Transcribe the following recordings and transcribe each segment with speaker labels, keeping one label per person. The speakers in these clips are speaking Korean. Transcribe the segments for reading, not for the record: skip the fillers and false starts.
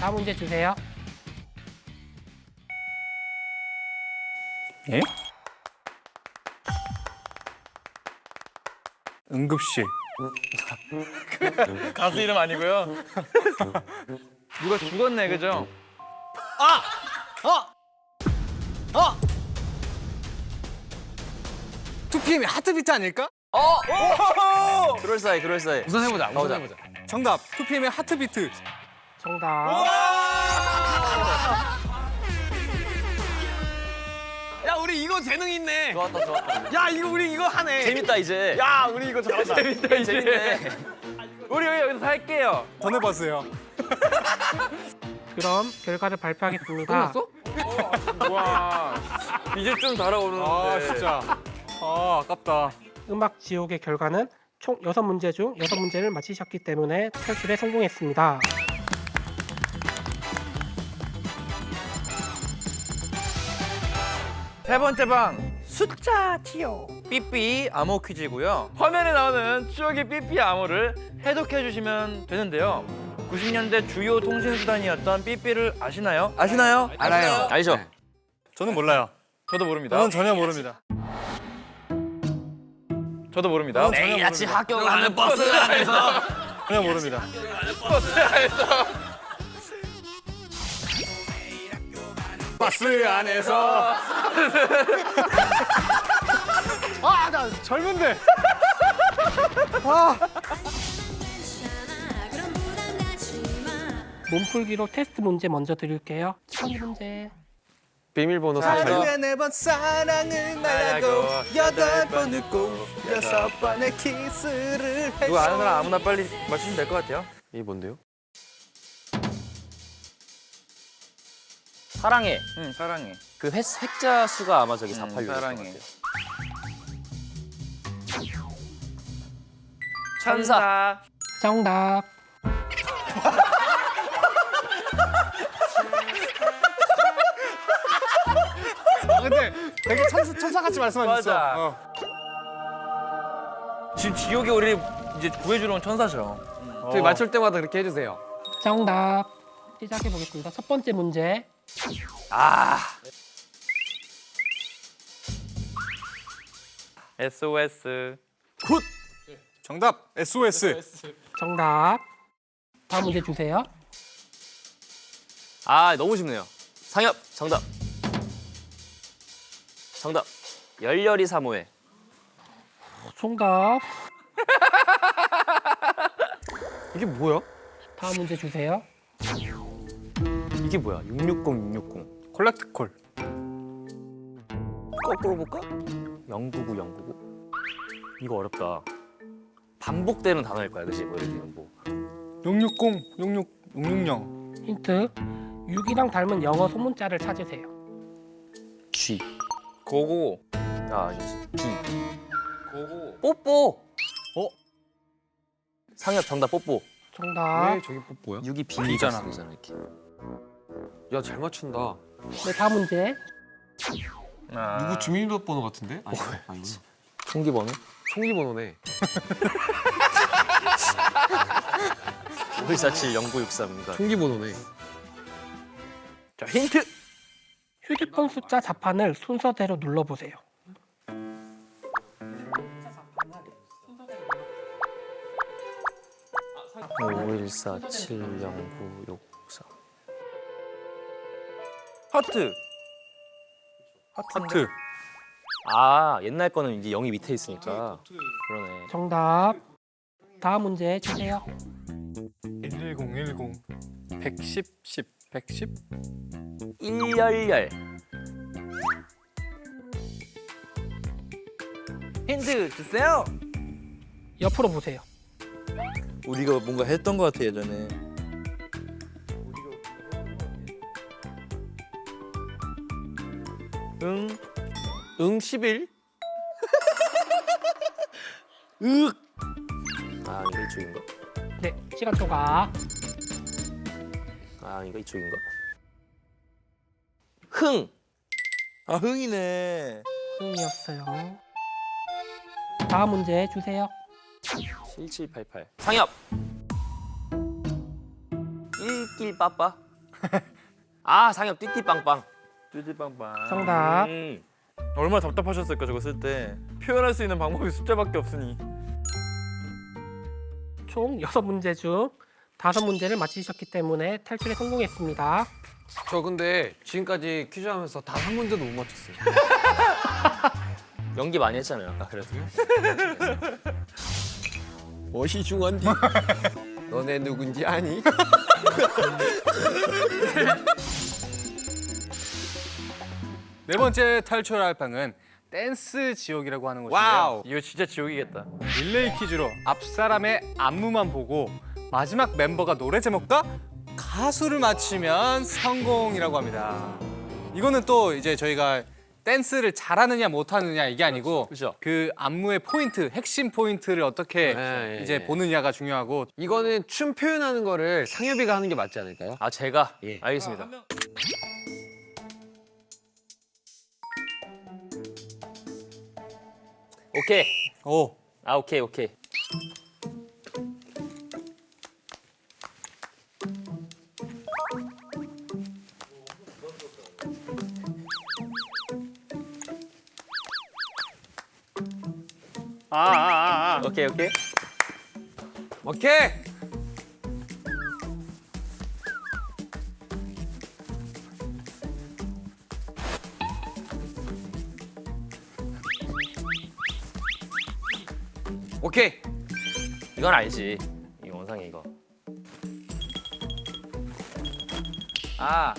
Speaker 1: 다음 문제 주세요.
Speaker 2: 예? 응급실.
Speaker 3: 가수 이름 아니고요. 누가 죽었네, 그죠?
Speaker 2: 2PM이 하트비트 아닐까?
Speaker 4: 그럴싸해, 그럴싸해.
Speaker 3: 우선 해보자.
Speaker 4: 가보자.
Speaker 2: 정답. 2PM의 하트비트.
Speaker 1: 정답.
Speaker 3: 야, 우리 이거 재능 있네.
Speaker 4: 좋았다, 좋았다.
Speaker 3: 야, 이거 우리 이거 하네.
Speaker 4: 재밌다, 이제.
Speaker 3: 야, 우리 이거 잘한다. 재밌다, 이제.
Speaker 4: 재밌네.
Speaker 3: 우리 여기서 살게요.
Speaker 2: 전해봤어요.
Speaker 1: 그럼 결과를 발표하겠습니다.
Speaker 3: 와, 이제 좀 달아오르는데.
Speaker 2: 아 진짜. 아 아깝다.
Speaker 1: 음악 지옥의 결과는 총 6문제 중 6문제를 맞히셨기 때문에 탈출에 성공했습니다.
Speaker 3: 세 번째 방 숫자 티오 삐삐 암호 퀴즈고요. 화면에 나오는 추억의 삐삐 암호를 해독해 주시면 되는데요. 90년대 주요 통신 수단이었던 삐삐를 아시나요? 아시나요?
Speaker 2: 알아요.
Speaker 4: 알죠?
Speaker 2: 저는 몰라요.
Speaker 3: 저도 모릅니다.
Speaker 2: 저는 전혀 모릅니다.
Speaker 3: 저도 모릅니다.
Speaker 4: 매일 아침 학교 가는 버스 안에서.
Speaker 2: 전혀 모릅니다. 버스 안에서. 아, 나 젊은데.
Speaker 1: 몸풀기로 테스트 문제 먼저 드릴게요. 첫 문제.
Speaker 5: 비밀번호
Speaker 2: 하루에 4번 사랑을 말하고 8번 웃고 6번의 키스를 했어.
Speaker 3: 누가 아는 사람 아무나 빨리 맞추시면 될 것 같아요.
Speaker 5: 이게 뭔데요?
Speaker 4: 사랑해.
Speaker 3: 응, 사랑해.
Speaker 4: 그 획자 수가 아마 저기 486.
Speaker 3: 사랑해.
Speaker 4: 천사.
Speaker 1: 정답.
Speaker 2: 근데 되게 천사같이 말씀하셨어.
Speaker 3: 맞아. 지금 지옥에 우리 이제 구해주러 온 천사죠.
Speaker 5: 저희 맞출 때마다 그렇게 해주세요.
Speaker 1: 정답. 시작해 보겠습니다. 첫 번째 문제.
Speaker 3: SOS.
Speaker 2: 정답. SOS.
Speaker 1: 정답. 다음 문제 주세요.
Speaker 4: 아, 너무 쉽네요. 상엽, 정답. 정답. 열렬히 사모해.
Speaker 1: 정답.
Speaker 5: 이게 뭐야?
Speaker 1: 다음 문제 주세요.
Speaker 4: 이게 뭐야? 660, 660.
Speaker 2: 콜렉트 콜.
Speaker 4: 거꾸로 볼까? 099, 099. 이거 어렵다. 반복되는 단어일 거야, 그치? 뭐 예를 들면 뭐.
Speaker 2: 660, 66, 660.
Speaker 1: 힌트. 6이랑 닮은 영어 소문자를 찾으세요.
Speaker 4: G.
Speaker 3: 고고.
Speaker 4: 아, 아니지. B.
Speaker 3: 고고.
Speaker 4: 뽀뽀. 상엽 정답 뽀뽀.
Speaker 1: 정답.
Speaker 5: 왜 저기 뽀뽀야?
Speaker 4: 6이 B잖아.
Speaker 2: B잖아.
Speaker 4: 이렇게.
Speaker 5: 야, 잘 맞춘다.
Speaker 1: 네, 다음 문제.
Speaker 3: 아.
Speaker 5: 누구 주민번호 같은데? 아니구나.
Speaker 4: 총기번호?
Speaker 5: 총기번호네.
Speaker 4: 5147 0963입니다.
Speaker 5: 총기번호네.
Speaker 3: 자, 힌트.
Speaker 1: 휴대폰 숫자 자판을 순서대로 눌러보세요.
Speaker 4: 오 5147 0963.
Speaker 3: 하트.
Speaker 2: 하트.
Speaker 4: 아, 옛날 거는 이제 0이 밑에 있으니까. 그러네.
Speaker 1: 정답. 다음 문제 주세요.
Speaker 2: 110, 110. 110, 10, 110.
Speaker 4: 일열열.
Speaker 3: 힌트 주세요.
Speaker 1: 옆으로 보세요.
Speaker 3: 우리가 뭔가 했던 것 같아 예전에.
Speaker 5: 응 11?
Speaker 4: 아, 이거 이쪽인가?
Speaker 1: 네, 시간 초과.
Speaker 4: 아, 이거 이쪽인가? 흥.
Speaker 3: 아, 흥이네.
Speaker 1: 흥이었어요. 다음 문제 주세요.
Speaker 4: 7788. 상엽. 일길 빠빠. 아 상엽 띠띠빵빵.
Speaker 3: 뚜지빵빵.
Speaker 1: 정답.
Speaker 3: 얼마나 답답하셨을까 저거 쓸 때. 표현할 수 있는 방법이 숫자밖에 없으니.
Speaker 1: 총 6문제 중 5문제를 맞히셨기 때문에 탈출에 성공했습니다.
Speaker 5: 저 근데 지금까지 퀴즈 하면서 단 한 문제도 못 맞췄어요.
Speaker 4: 연기 많이 했잖아요 아까 그래도.
Speaker 5: 멋이 중한디. 너네 누군지 아니?
Speaker 2: 네 번째 탈출할 방은 댄스 지옥이라고 하는 곳인데요.
Speaker 5: 와우.
Speaker 3: 이거 진짜 지옥이겠다.
Speaker 2: 릴레이 퀴즈로 앞 사람의 안무만 보고 마지막 멤버가 노래 제목과 가수를 맞히면 성공이라고 합니다. 이거는 또 이제 저희가 댄스를 잘하느냐 못하느냐 이게 아니고
Speaker 4: 그렇죠.
Speaker 2: 그 안무의 포인트, 핵심 포인트를 어떻게
Speaker 5: 네,
Speaker 2: 이제
Speaker 5: 네.
Speaker 2: 보느냐가 중요하고
Speaker 5: 이거는 춤 표현하는 거를 상엽이가 하는 게 맞지 않을까요?
Speaker 4: 아 제가
Speaker 5: 예.
Speaker 4: 알겠습니다. 오케이.
Speaker 2: 오
Speaker 4: 아 오케이 오케이. 오케이 오케이.
Speaker 5: 오케이. 오케이.
Speaker 4: 이건 알지. 이 원상이 이거.
Speaker 3: 아.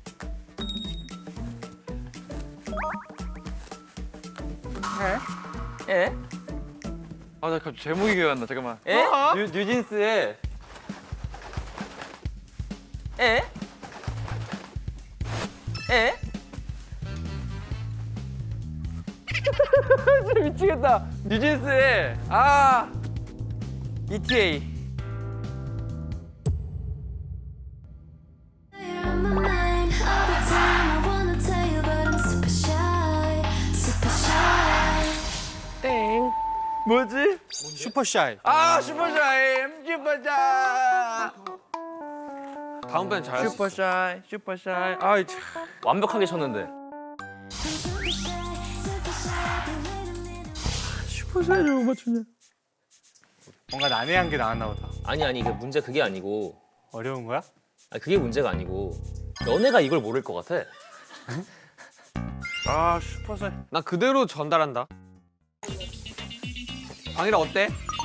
Speaker 4: 에?
Speaker 3: 아, 나 갑자기 제목이 기억이 안 나. 잠깐만.
Speaker 4: 에?
Speaker 3: 뉴진스의
Speaker 4: 에? 에?
Speaker 3: 진짜 미치겠다. 뉴진스의 ETA.
Speaker 6: You're on my mind all the time. I wanna tell you, but I'm super shy, super shy.
Speaker 1: 땡.
Speaker 3: 뭐지?
Speaker 2: 슈퍼샤이.
Speaker 3: 슈퍼샤이. 슈퍼샤이.
Speaker 5: 다음번엔 잘할 수 있어.
Speaker 3: 슈퍼샤이. 슈퍼샤이. 아이 참.
Speaker 4: 완벽하게 쳤는데.
Speaker 6: I'm super shy, super shy. But wait a minute.
Speaker 3: 슈퍼샤이를 못 맞추냐?
Speaker 2: 뭔가 난해한 게 나왔나 보다.
Speaker 4: 아니 그 문제 그게 아니고.
Speaker 2: 어려운 거야?
Speaker 4: 아니 그게 문제가 아니고. 너네가 이걸 모를 것 같아.
Speaker 3: 슈퍼샤이.
Speaker 5: 나 그대로 전달한다. 방이라 어때?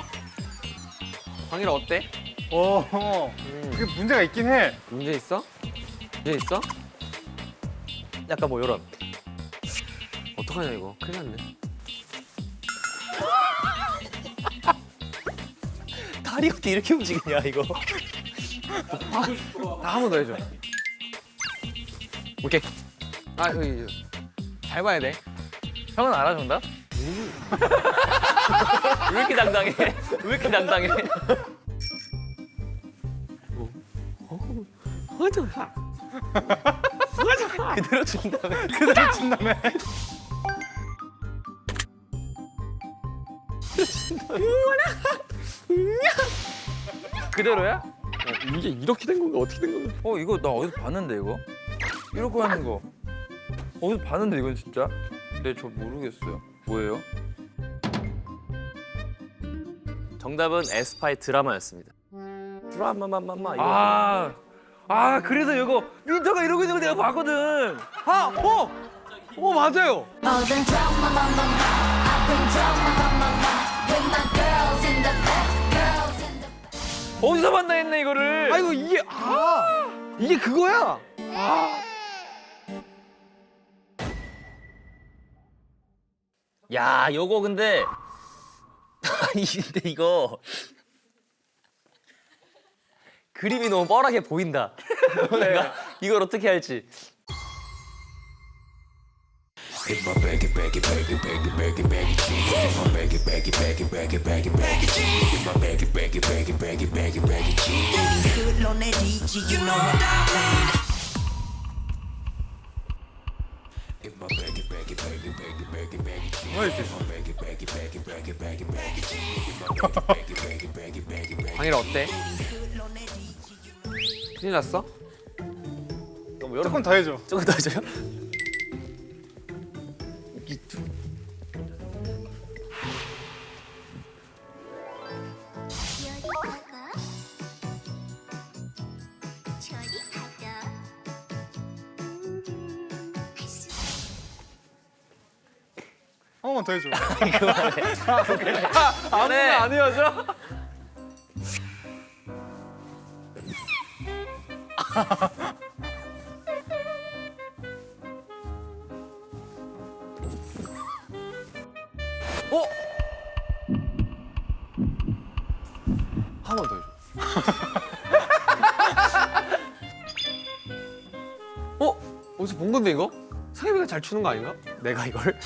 Speaker 5: 방이라 어때?
Speaker 2: 그게 문제가 있긴 해.
Speaker 5: 문제 있어? 문제 있어?
Speaker 4: 약간 뭐 이런.
Speaker 5: 어떡하냐 이거. 큰일 났네.
Speaker 4: 다리가 어떻게 이렇게 움직이냐 이거.
Speaker 5: 한 번 더 해줘. 오케이. 잘 봐야 돼.
Speaker 3: 형은 알아 정답?
Speaker 4: 왜 이렇게 당당해? 왜 이렇게 당당해? 그대로 준다며.
Speaker 2: 그대로 친다며.
Speaker 3: 그대로야?
Speaker 5: 이게 이렇게 된 건가 어떻게 된 건가?
Speaker 3: 이거 나 어디서 봤는데 이거? 이렇게 하는 거 어디서 봤는데 이건 진짜? 근데 저 모르겠어요. 뭐예요?
Speaker 4: 정답은 에스파의 드라마였습니다. 드라마마마마 이거.
Speaker 3: 그래서 이거 민터가 이러고 있는 거 내가 봤거든.
Speaker 5: 맞아요.
Speaker 6: More than drama, mama, I've been drama, mama, with my girls in the back, girls in the.
Speaker 3: 어디서 봤나 했네 이거를.
Speaker 5: 아이고 이게 그거야.
Speaker 4: 야, 요거 근데 아니 근데 이거 그림이 너무 뻔하게 보인다. 내가 이걸 어떻게 할지.
Speaker 7: Good on that DJ, you know what I mean.
Speaker 5: 방이라 어때? 큰일 났어?
Speaker 4: 뭐
Speaker 2: 조금 더 해줘.
Speaker 4: 조금 더 해줘요?
Speaker 2: 한 번만 더 해줘.
Speaker 3: 아무나 안 헤어져?
Speaker 5: 한 번 더 해줘. 어디서 본 건데 이거? 상엽이가 잘 추는 거 아닌가?
Speaker 4: 내가 이걸?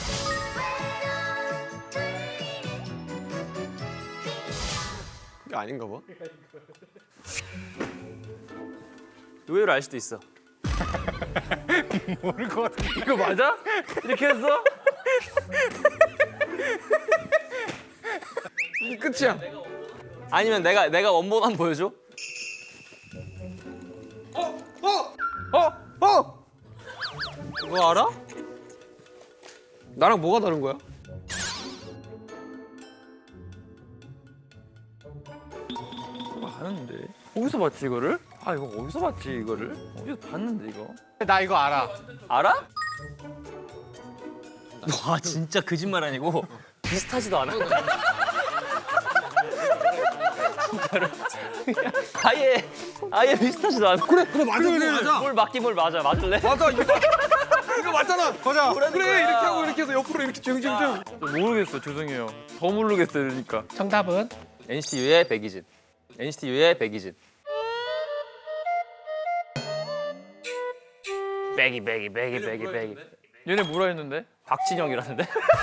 Speaker 5: 그게 아닌가 봐.
Speaker 4: 의외로 알 수도 있어.
Speaker 2: 모를 것 같은데.
Speaker 3: 이거 맞아? 이렇게 했어?
Speaker 5: 이게 끝이야.
Speaker 4: 아니면 내가 원본 한번 보여줘?
Speaker 5: 그거 알아? 나랑 뭐가 다른 거야?
Speaker 3: 아는데 어디서 봤지 이거를? 아 이거 어디서 봤지 이거를? 어디서 봤는데 이거?
Speaker 2: 나 이거 알아.
Speaker 4: 알아? 와 진짜 거짓말 아니고 비슷하지도 않아. 진짜로. 아예 비슷하지도 않아.
Speaker 5: 그래 맞아 맞아.
Speaker 4: 뭘 맞긴 뭘 맞아. 맞을래?
Speaker 5: 맞아 이거 맞잖아.
Speaker 2: 보자.
Speaker 5: 그래 이렇게 하고 이렇게 해서 옆으로 이렇게 증증증.
Speaker 3: 모르겠어 죄송해요. 더 모르겠어요 그러니까.
Speaker 1: 정답은
Speaker 4: NCT U의 백이진. NCT U의 백이진. 백이.
Speaker 3: 얘네 뭐라 했는데?
Speaker 4: 박진영이라는데?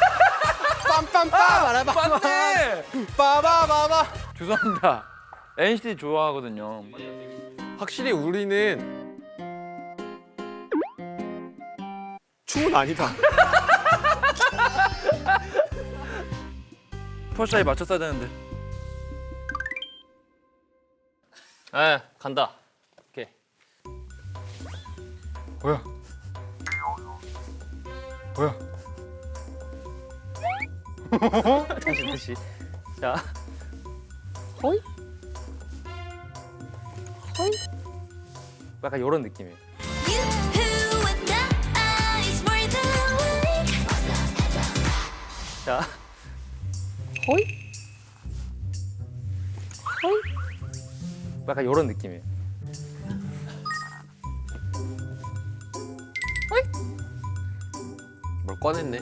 Speaker 3: 맞네!
Speaker 2: 빠바바바.
Speaker 3: 죄송합니다. NCT 좋아하거든요.
Speaker 5: 확실히 우리는 춤은 아니다.
Speaker 3: 퍼샤에 맞췄어야 되는데.
Speaker 4: 에 간다. 오케이.
Speaker 2: 뭐야?
Speaker 4: 다시. 자. 호이? 약간 이런 느낌이에요.
Speaker 6: You and I is more than weak.
Speaker 4: 자. 호이? 약간 이런 느낌이에요.
Speaker 5: 뭘 꺼냈네.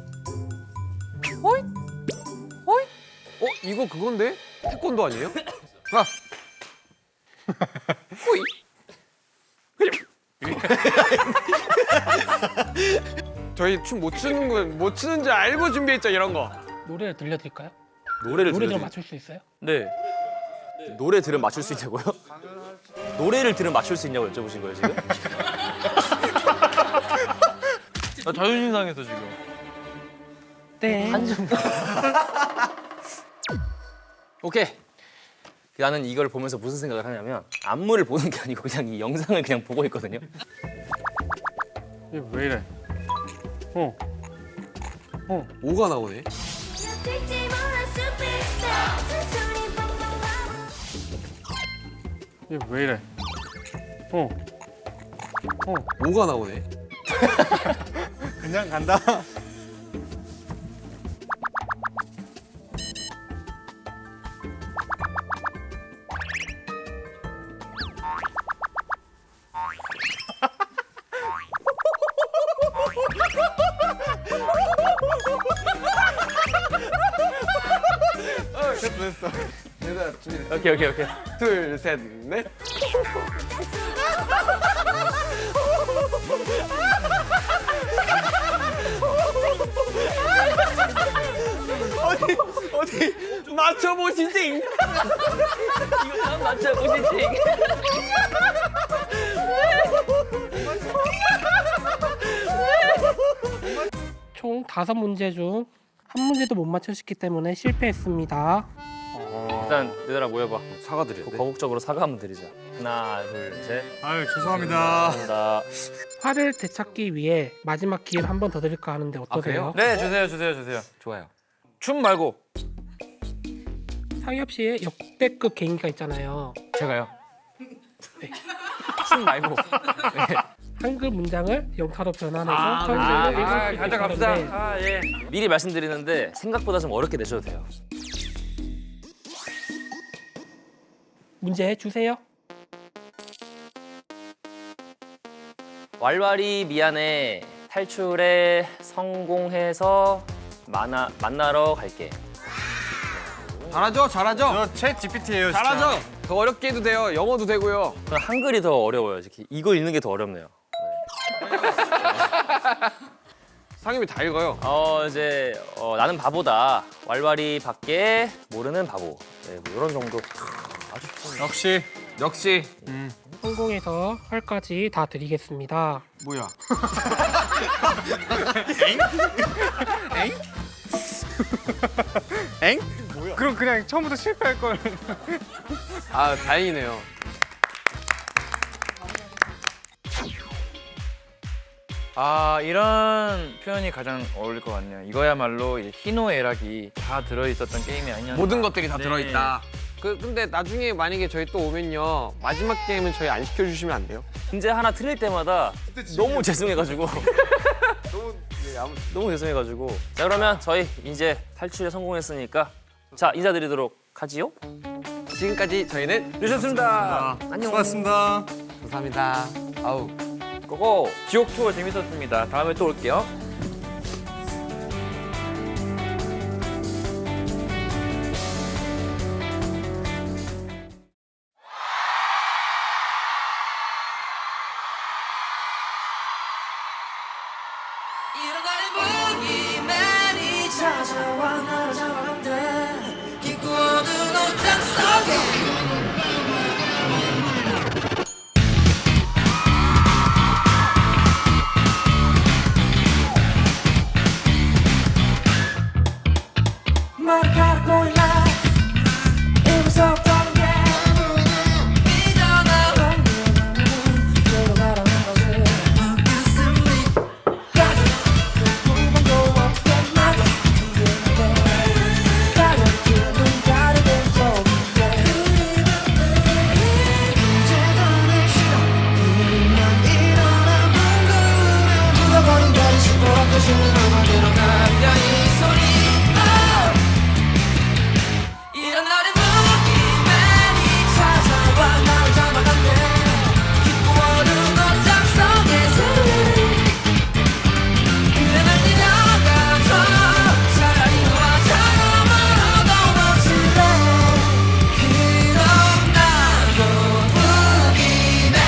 Speaker 5: 이거 그건데? 태권도 아니에요? 아. 호이. 저희 춤 못 추는 거 못 추는 줄 알고 준비했죠 이런 거.
Speaker 1: 노래를 들려드릴까요?
Speaker 4: 노래를
Speaker 1: 노래
Speaker 4: 들으면
Speaker 1: 좀 맞출 수 있어요?
Speaker 3: 네.
Speaker 4: 노래 들으면 맞출 수 있냐고요? 노래를 들으면 맞출 수 있냐고 여쭤보신 거예요 지금?
Speaker 3: 나 자존심 상해서 지금.
Speaker 1: 네.
Speaker 4: 오케이. 나는 이걸 보면서 무슨 생각을 하냐면 안무를 보는 게 아니고 그냥 이 영상을 그냥 보고 있거든요.
Speaker 2: 이게 왜 이래?
Speaker 5: 5가 나오네.
Speaker 6: 될지 몰라 superstar. 잔소리 뻥뻥.
Speaker 2: 이게 왜 이래?
Speaker 5: 5가 나오네.
Speaker 2: 그냥 간다. 됐어.
Speaker 5: 얘들아 준비.
Speaker 4: 오케이.
Speaker 5: 둘, 셋, 넷. 어디 맞춰보시지.
Speaker 4: 이거 참 맞춰보시지.
Speaker 1: 총 5문제 중 한 문제도 못 맞추셨기 때문에 실패했습니다.
Speaker 4: 일단 얘들아 모여봐.
Speaker 5: 사과드려.
Speaker 4: 거국적으로 사과 한번 드리자. 하나, 둘, 셋.
Speaker 2: 아유 죄송합니다.
Speaker 4: 감사합니다.
Speaker 1: 화를 되찾기 위해 마지막 기회를 한 번 더 드릴까 하는데 어떠세요?
Speaker 3: 네, 주세요. 좋아요. 춤 말고
Speaker 1: 상엽 씨의 역대급 개인기가 있잖아요.
Speaker 3: 제가요.
Speaker 1: 네.
Speaker 3: 춤 말고.
Speaker 1: 한글 문장을 영타로 변환해서
Speaker 3: 아,
Speaker 1: 설명을 읽을 수 있게
Speaker 3: 가져갑시다.
Speaker 1: 하는데
Speaker 3: 아, 예.
Speaker 4: 미리 말씀드리는데 생각보다 좀 어렵게 내셔도 돼요.
Speaker 1: 문제 주세요.
Speaker 4: 왈왈이 미안해. 탈출에 성공해서 만나러 갈게.
Speaker 5: 잘하죠?
Speaker 2: 저챗 GPT예요.
Speaker 5: 잘하죠? 더 어렵게 해도 돼요. 영어도 되고요.
Speaker 4: 한글이 더 어려워요. 이거 읽는 게 더 어렵네요.
Speaker 5: 상엽이 다 읽어요.
Speaker 4: 이제 나는 바보다. 왈왈이 밖에 모르는 바보. 네, 뭐 이런 정도.
Speaker 2: 역시
Speaker 1: 성공해서 활까지 다 드리겠습니다.
Speaker 5: 뭐야?
Speaker 2: 그럼 그냥 처음부터 실패할 걸.
Speaker 5: 아 다행이네요.
Speaker 3: 아, 이런 표현이 가장 어울릴 것 같네요. 이거야말로 이제 희노애락이 다 들어있었던 게임이 아니었나.
Speaker 5: 모든 것들이 다
Speaker 3: 네.
Speaker 5: 들어있다. 근데 나중에 만약에 저희 또 오면요 마지막 게임은 저희 안 시켜주시면 안 돼요?
Speaker 4: 문제 하나 틀릴 때마다 너무 죄송해가지고. 너무 죄송해가지고. 자 그러면 저희 이제 탈출에 성공했으니까 자 인사드리도록 하지요.
Speaker 5: 지금까지 저희는
Speaker 3: 유셨습니다.
Speaker 4: 안녕.
Speaker 2: 고맙습니다.
Speaker 5: 감사합니다. 아우.
Speaker 3: 고고. 지옥 투어 재밌었습니다. 다음에 또 올게요.
Speaker 7: 일어나는 보기만이 찾아와 나를 잡아간대 깊고 어두운 옷장 속에 머리카락 보일라 이 무섭다는 게 삐져나온 그로 가라는 거지 이런 날의 무기만이 찾아와 나를 잡아간대 깊고 어두운 옷장 속에서 그래 날 데려가줘 차라리 너와 저러므로 멈출래 그럼 나도 무기만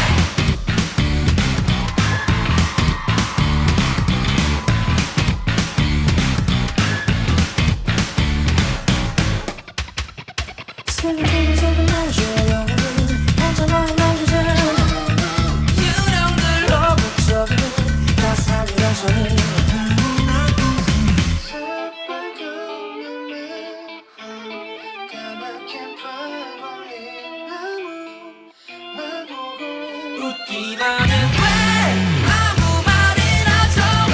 Speaker 7: 유령들로 북적이는 가사를 여전히 웃기만은 왜 아무 말이나 줘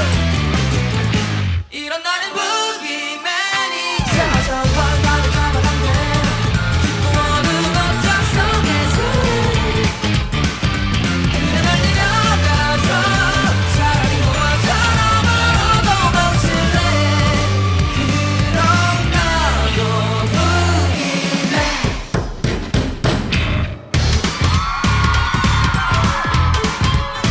Speaker 7: 이런 나는 무기만이 찾아와 나를 잡아간대 깊고 어두운 옷장 속에서 그래 날 데려가줘 차라리 너와 저러므로 멈출래 그럼 나도 무기만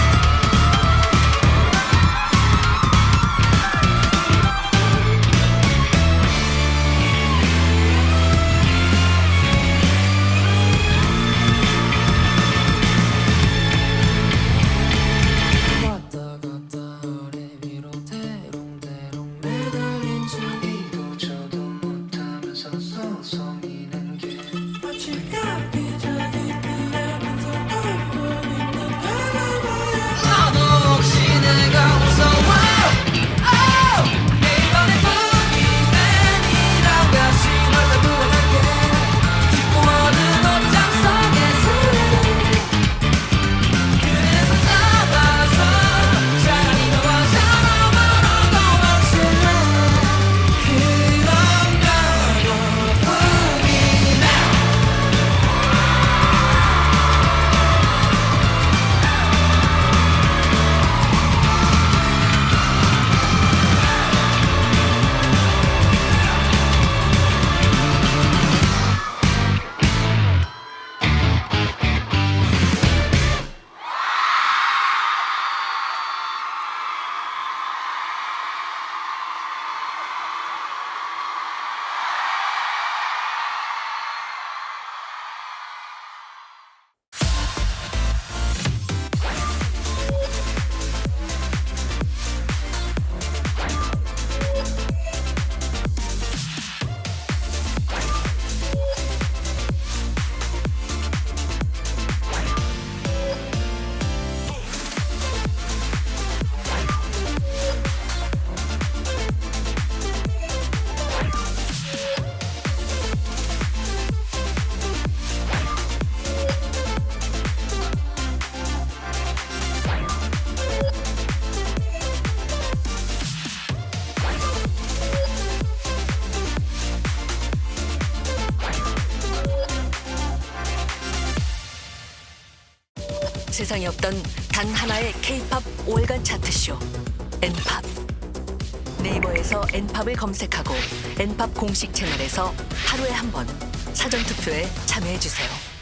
Speaker 8: 세상에 없던 단 하나의 K-팝 5월간 차트쇼 N팝. 네이버에서 N팝을 검색하고 N팝 공식 채널에서 하루에 한 번 사전 투표에 참여해 주세요.